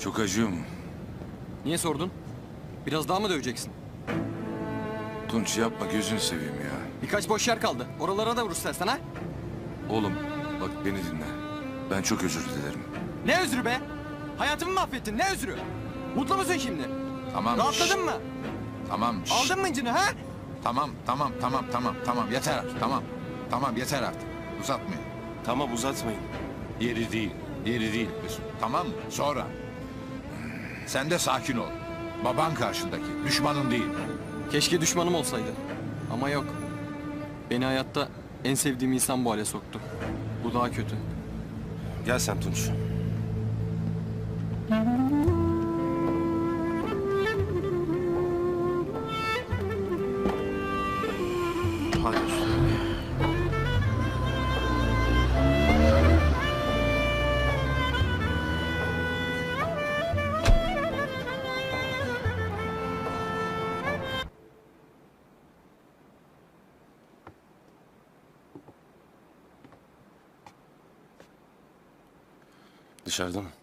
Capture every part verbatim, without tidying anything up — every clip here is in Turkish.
Çok acıyor mu? Niye sordun? Biraz daha mı döveceksin? Tunç yapma, gözünü seveyim ya. Birkaç boş yer kaldı. Oralara da vur istersen ha. Oğlum bak beni dinle. Ben çok özür dilerim. Ne özrü be? Hayatımı mahvettin. Ne özrü? Mutlu musun şimdi? Tamam. Rahatladın şşş. mı? Tamam. şşş. Aldın mı incini ha? Tamam, tamam, tamam, tamam, tamam. Yeter artık, tamam. Tamam, yeter artık. Uzatmayın. Tamam uzatmayın. Yeri değil. Yeri değil Mesut. Tamam mı? Sonra. Sen de sakin ol. Baban karşındaki, düşmanın değil. Keşke düşmanım olsaydı. Ama yok. Beni hayatta en sevdiğim insan bu hale soktu. Bu daha kötü. Gel sen Tunç. Hayır. Dışarıda mı?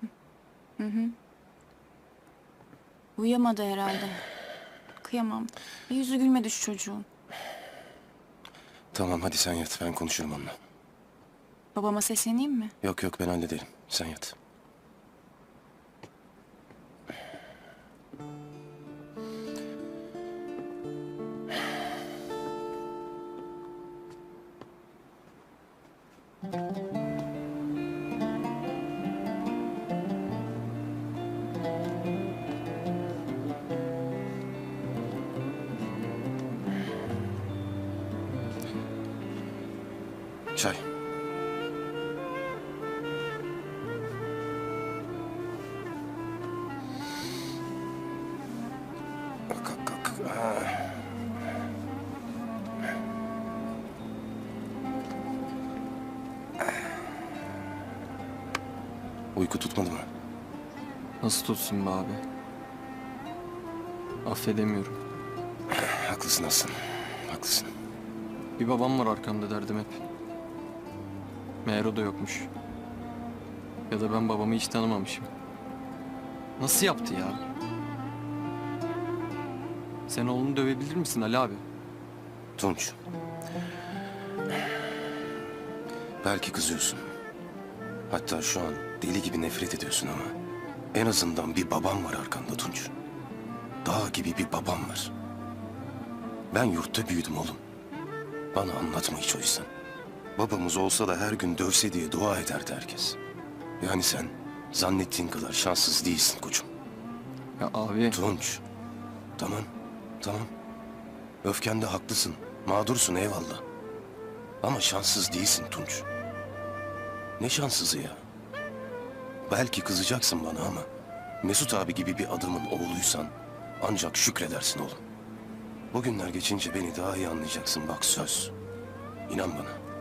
Uyuyamadı herhalde. Kıyamam. Bir yüzü gülmedi şu çocuğun. Tamam hadi sen yat, ben konuşurum onunla. Babama sesleneyim mi? Yok yok, ben hallederim. Sen yat. Çay. Kalk kalk kalk. Ah. Uyku tutmadı mı? Nasıl tutsun be abi? Affedemiyorum. Haklısın Aslan. Haklısın. Bir babam var arkamda derdim hep. Meğer o da yokmuş. Ya da ben babamı hiç tanımamışım. Nasıl yaptı ya? Sen oğlunu dövebilir misin Ali abi? Tunç. Belki kızıyorsun. Hatta şu an deli gibi nefret ediyorsun ama en azından bir babam var arkanda Tunç. Dağ gibi bir babam var. Ben yurtta büyüdüm oğlum. Bana anlatma hiç o yüzden. Babamız olsa da her gün dövse diye dua ederdi herkes. Yani sen zannettiğin kadar şanssız değilsin koçum. Ya abi Tunç. Tamam, tamam. Öfkende haklısın. Mağdursun eyvallah. Ama şanssız değilsin Tunç. Ne şanssızı ya? Belki kızacaksın bana ama Mesut abi gibi bir adamın oğluysan ancak şükredersin oğlum. Bugünler geçince beni daha iyi anlayacaksın bak söz. İnan bana.